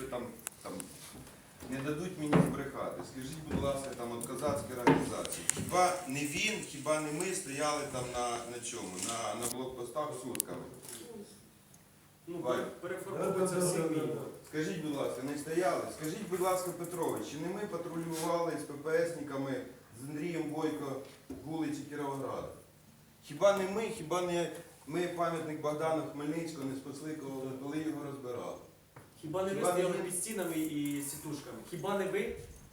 там не дадуть мені збрехати. Скажіть, будь ласка, там от козацькі організації. Хіба не він, хіба не ми стояли там на чому? На блокпостах сутками? Переформовується всі війни. Скажіть, будь ласка, не стояли? Скажіть, будь ласка, Петрович, чи не ми патрулювали з ППСниками, з Андрієм Бойко вулиці Кіровограда? Хіба не ми, хіба не ми пам'ятник Богдану Хмельницького не спасли, коли його розбирали? Хіба не ви стояли під стінами і сітушками? Хіба не ви?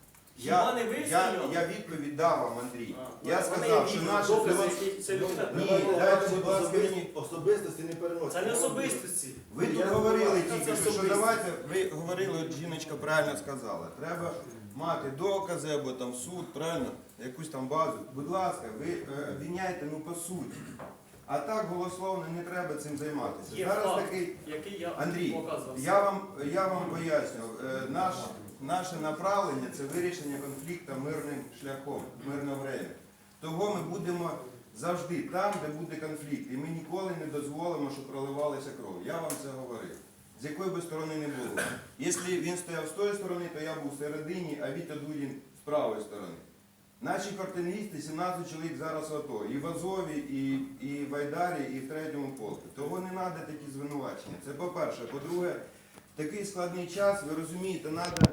Я відповідь дав вам, Андрій. Я в мене сказав, є що відео, наші докази, які ця людина Ні, привела. дайте, будь ласка, мені. Особистості не переносять. Це не особистості. Ви тут говорили тільки, що давайте, ви говорили, от жіночка правильно сказала, треба мати докази або там суд, правильно, якусь там базу. Будь ласка, ви обвиняйте, ну по суті. А так голословно не треба цим займатися. Є Зараз факт, такий, який я Андрій, показував. я вам поясню, наше направлення це вирішення конфлікту мирним шляхом, мирне время. Того ми будемо завжди там, де буде конфлікт. І ми ніколи не дозволимо, щоб проливалася кров. Я вам це говорив. З якої би сторони не було. Якщо він стояв з тої сторони, то я був всередині, а Вітя Дудін з правої сторони. Наші картиністи, 17 чоловік зараз в АТО. І в Азові, і в Айдарі, і в 3-му полку. Того не треба такі звинувачення. Це по-перше. По-друге, в такий складний час, ви розумієте,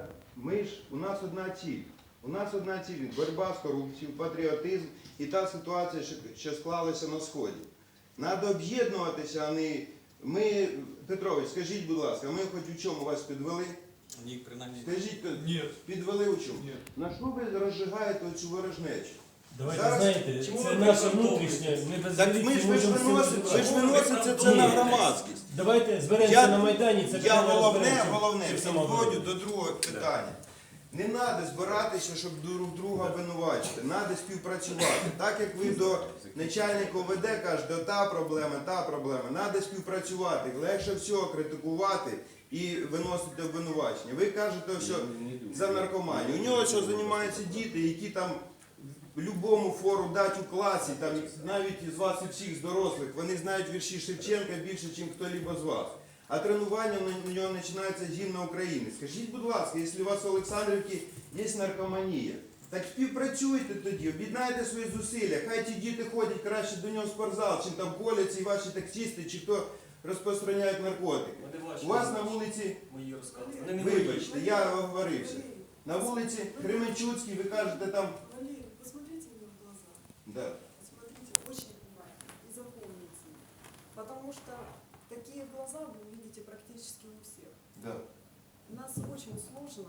у нас одна ціль. У нас одна ціль – боротьба з корупцією, патріотизм і та ситуація, що склалася на Сході. Треба об'єднуватися, а не... Ми, Петрович, скажіть, будь ласка, ми хоч у чому вас підвели? Ні, принаймні. Скажіть, Ні. підвели у чому? Ні. На що ви розжигаєте оцю ворожнечу? Давайте, Зараз- знаєте, Чому це ви наша прикомтовуєте? внутрішня, ми без Так міліції ми ж можемо всім виносите розібратися. це на Ні. громадськість. Давайте зберемося на Майдані, це Я питання головне, розберемося. Чи підходжу самооборона. до другого питання. Не треба збиратися, щоб друг друга обвинувачити. Треба співпрацювати. Так як ви до начальника ОВД кажете, та проблема. Треба співпрацювати. Легше всього критикувати і виносити обвинувачення. Ви кажете, що за наркоманію. У нього що займаються діти, які там любому фору дать у класі, там, навіть із вас і всіх з дорослих, вони знають вірші Шевченка більше, ніж хто-либо з вас. А тренування на нього починається з гімна України. Скажіть, будь ласка, якщо у вас в Олександрівці є наркоманія, так співпрацюйте тоді, об'єднайте свої зусилля. Хай ті діти ходять краще до нього в спортзал, чим там коляться і ваші таксисти, чи хто розпространяють наркотики. У вас на вулиці, Мої розкази. Вони не мої. вибачте, я оговорився, на вулиці Кременчуцькій, ви кажете там... Валерий, посмотрите мне в глаза. Да. Посмотрите очень внимательно и запомните. Потому что такие глаза вы увидите практически у всех. Да. Нас очень сложно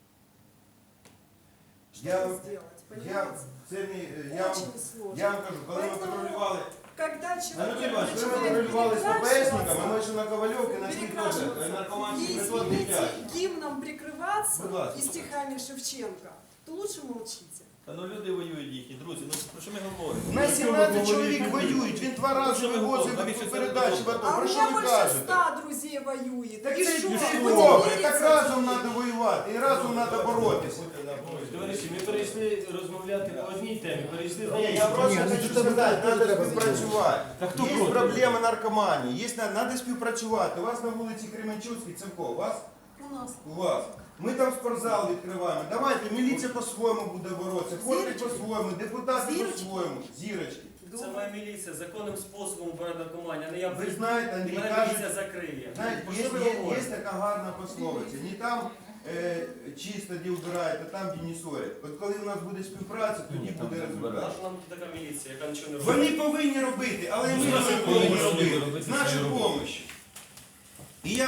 Я- что-то сделать, понимаете? Очень сложно. Я вам кажу, коли ми Поэтому, патрулювали, когда Анатолій человек Іванович, коли ми начинает патрулювали з ППСниками, ми перекрашиваться, йшли на Ковальовки, знайшли теж перекрашиваться наркоманський и, метод извините, дитячий. гимном прикрываться Будь ласка. и стихами Шевченко, то лучше молчите. Та ну люди воюють їхні, друзі, ну про що ми говоримо? У нас 17 чоловік воюють, він 2 рази Що ви вивозив говорите? по передачі в АТО. А у Про що меня ви больше кажете? 100 друзей воюет. Так И це что, ж вы не добре, верите? так разом треба воювати, і разом треба боротися. Товариші, ми перейшли розмовляти по одній темі, перейшли до Ні, я іншої. просто хочу сказати, треба співпрацювати. Та хто Є проти? проблеми наркоманії, треба співпрацювати. У вас на вулиці Кременчуцькій, це в кого? У вас? У нас. У вас. Ми там спортзал відкриваємо. Давайте, міліція по-своєму буде боротися, ходить Зірочки. по-своєму, депутати Зірочки. по-своєму. Зірочки. Це моя міліція, законним способом боротьба наркоманії, а не я Ви знаєте, Андрій, мене кажуть, міліція закриє. знаєте, Про що ви говорите? є така гарна пословиця. Не там чисто, де вбирають, а там, де не ссорять. От коли у нас буде співпраця, тоді буде результат. Наша нам така міліція, яка нічого не робить. Вони повинні робити, але ми Ми повинні повинні робити. робити З нашою свою допомогою.